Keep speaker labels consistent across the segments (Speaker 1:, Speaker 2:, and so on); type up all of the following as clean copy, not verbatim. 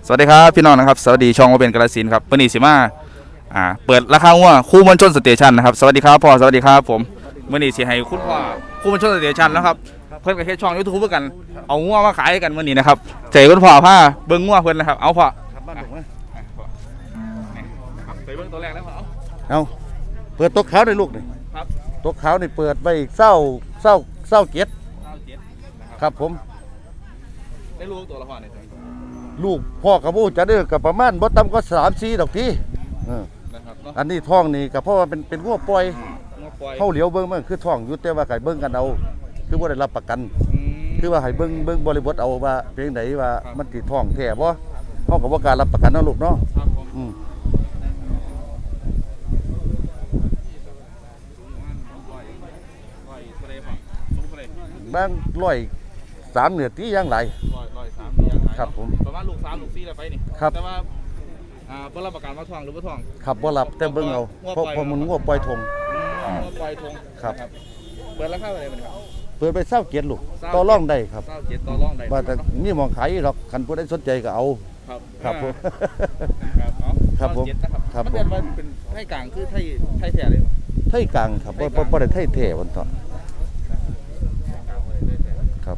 Speaker 1: สวัสดีครับพี่น้องนะครับสวัสดีช่องว่าเป็นกาฬสินธุ์ครับวันนี้สิมาเปิดราคางัวคู่มวลชนสเตชันนะครับสวัสดีครับพ่อสวัสดีครับผมวันนี้สิให้คุณพ่อคู่มวลชนสเตชันนะครับเพิ่นกับแค่ช่อง YouTube เพื่อกันเอางัวมาขายกันวันนี้นะครับใจคุณพ่อผ้าเบิ้งงัวเพิ่นนะครับเอาพ่อใส่เบิ้งตัวแรกแล้วพ่อ
Speaker 2: เอาเปิดตัวขาวในลูกนี่
Speaker 1: ครับ
Speaker 2: ตัวขาวนี่เปิดไปเศร้าเกียรติครับผม
Speaker 1: ได้ลูกตัวละพ่อเนี่ย
Speaker 2: ลูกพ่อกับบูจะเด้อกับประมาณบ่ต่ำก็3-4ดอกทีอันนี้ท้องนี่กับเพราะว่าเป็นงัวปล่อยเข้าเหลียวเบิ้งมันคือท้องอยู่แต่ว่าไก่เบิ้งกันเอาคือบ่ได้รับประกันคือว่าให้เบิ้งบริบทเอาว่าเป็นจังไดว่ามันสิท้องแท้บ่เฮาก็บ่กล้ารับประกันเนาะลูกเนาะบาง103เหนือตีอย่างไรครับผม
Speaker 1: ประมาณลูก3ลูก4แล้วไปนี่แต่ว่าบ่รับประกันว่าท้องหรือบ่ท้อง
Speaker 2: ครับบ่รับแต่เบิ่งเอาเพราะมันงัวปล่อยทง
Speaker 1: งัวปล่อยทง
Speaker 2: ครับ
Speaker 1: เปิดราคาเท่าไหร่บัดนี้ครับ
Speaker 2: เปิดไป20เกียรติลูกต่อรองได้ครับ
Speaker 1: 27ต่อรองได้
Speaker 2: ว่าแต่มีหมองขายหรอกคันผู้ใดสนใจก็เอาครับผม
Speaker 1: ครับผม
Speaker 2: ครับ
Speaker 1: มันเป็นว่าเป็นไทยกลางคือไทยแท้เลย
Speaker 2: ไทยกลางครับบ่ได้ไทยแท้วันต่อครับ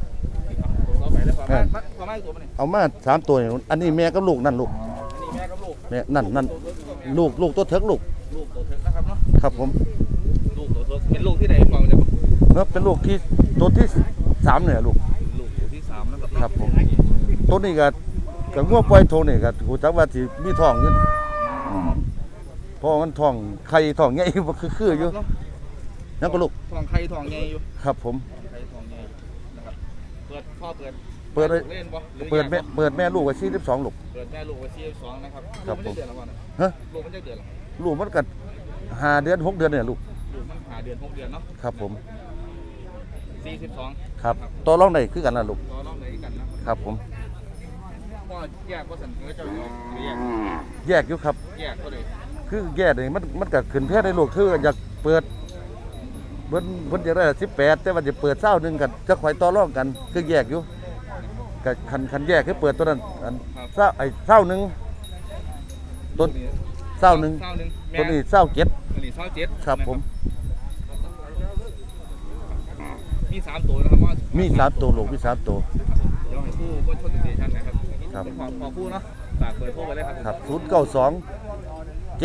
Speaker 2: เอามา3ตัวนี่อันนี้แม่กับลูกนั่นลูก
Speaker 1: แม่กับลูก
Speaker 2: แม่นั่นลูกตัวเถิกลูก
Speaker 1: ตัวเถิกนะครับเนาะ
Speaker 2: ครับผม
Speaker 1: ลูกตัวเถิกเป็นลูกที่ไหนฟังจะ
Speaker 2: ครับเป็นลูกที่ตัวที่3เนี่ยลูก
Speaker 1: ตัวที่3นะครับ
Speaker 2: ครับผมตัวนี้ก็งัวปล่อยโทนี่ก็ฮู้จักว่าสิมีท้องอยู่เพราะมันท้องไข่ท้องใหญ่บ่คืออยู่นั่นก็ลูก
Speaker 1: ท้องไข่ท้องใหญ่อยู่
Speaker 2: ครับผม
Speaker 1: ไข่ท้องใหญ่นะครับพ่อเปิด
Speaker 2: แม่ลูกไว้42ลูก
Speaker 1: เปิดแม่ลูกไว้42นะครับ
Speaker 2: ครับผม
Speaker 1: ฮะลูกมันจะเดือนหรอ
Speaker 2: ลูกมันก็5เดือน6เดือนเนี่ยลูก
Speaker 1: มัน5เดือน6เดือนเนาะ
Speaker 2: ครับผม
Speaker 1: 42
Speaker 2: ครับตัวรองได้คือกันล่ะลูก
Speaker 1: ตัวรองได้กัน
Speaker 2: นะครับผม
Speaker 1: พ่อแยกบ่สั่นเจ้า
Speaker 2: แยกอยู่ครับ
Speaker 1: แยกก็เลย
Speaker 2: คือแยกนี่มันก็ขึ้นแพทย์ได้ลูกคืออยากเปิดเพิ่นจะได้18แต่ว่าจะเปิด20นึงกันจะข่อยต่อรองกันคือแยกอยู่ก็คันแยกคือเปิดตัวนั้น20นึงต้น20นึงตัวนี้27ครับผม
Speaker 1: มี3ตัวนะครับว่า
Speaker 2: มี3ตัวลูกมี3ตัว
Speaker 1: เดี๋ยวให้ผู้คนชนสเตชันนะครับครับขอผู้เนาะฝากเบอร์โทรไปเลย
Speaker 2: ครับ092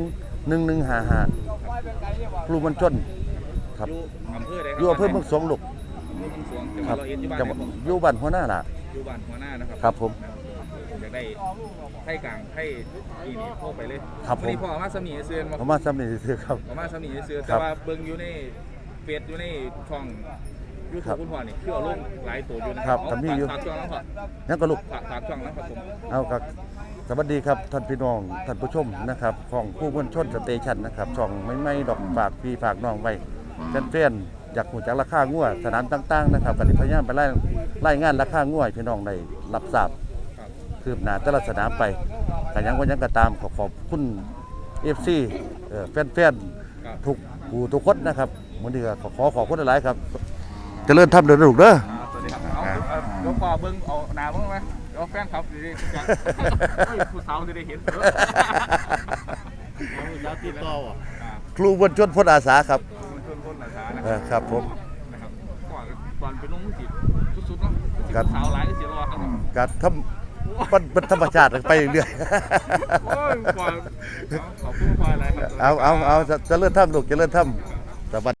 Speaker 2: 751 1155ครูมันจนครับอยู่อำเภอเมืองสวงลูกครับอยู่บ้านหัวหน้าล่ะ
Speaker 1: อยู่บ้านหัวหน้านะครับ
Speaker 2: ครับผม
Speaker 1: อยากได้ไข่กลางไข่อีนี่โทรไปเลย
Speaker 2: ครับผม
Speaker 1: นี่พ่อมาสมีเสือน
Speaker 2: มาสมีเสือครับ
Speaker 1: มาสมีเสือแต่ว่าเบิ่งอยู่ในเฟซอยู่ในช่องยูทูบคุณพ่อนี่คือเอาลงหลายตัวอยู่นะครับ
Speaker 2: มีอยู่
Speaker 1: ฝากช่องแล้วพ่อ
Speaker 2: นั่นก็ลูก
Speaker 1: ฝากช่องนะครับผม
Speaker 2: เอาครับสวัสดีครับท่านพี่น้องท่านผู้ชมนะครับของผู้มวลชนสเตชันนะครับช่องไม่ดอกฝากพี่ฝากน้องไว้แฟนๆอยากหูจักราคางัวสนามต่างๆนะครับกันพยายามไปไล่งานราคางัวพี่น้องได้รับทราบคืบหน้าแต่ละสนามไปกันยังก็ตามขอบคุณFC แฟนๆทุกคนนะครับวันนี้ก็ขอบคุณหลายๆครับเจริญทำเดินลูกเด้อ
Speaker 1: สวัสดีครับเดี๋ยวพ่อเบิ้งเอาหน้าเบิ้งไหมเดี๋ยวแฟนครับดีๆผู้สาวจะได้เห็น
Speaker 2: ติดต่อครูบรรชนพลอาสาครับครับผม
Speaker 1: ก่อนเป็นน้องมือจีบสุดๆเนาะสาวหลายเสียรอครับ
Speaker 2: การทำเป็นธรรมชาติไปเรื่อย
Speaker 1: ๆขอบคุณพ่ออะไรครับ
Speaker 2: เอาจะเลื่อนถ้ำลูกจะเลื่อนถ้ำ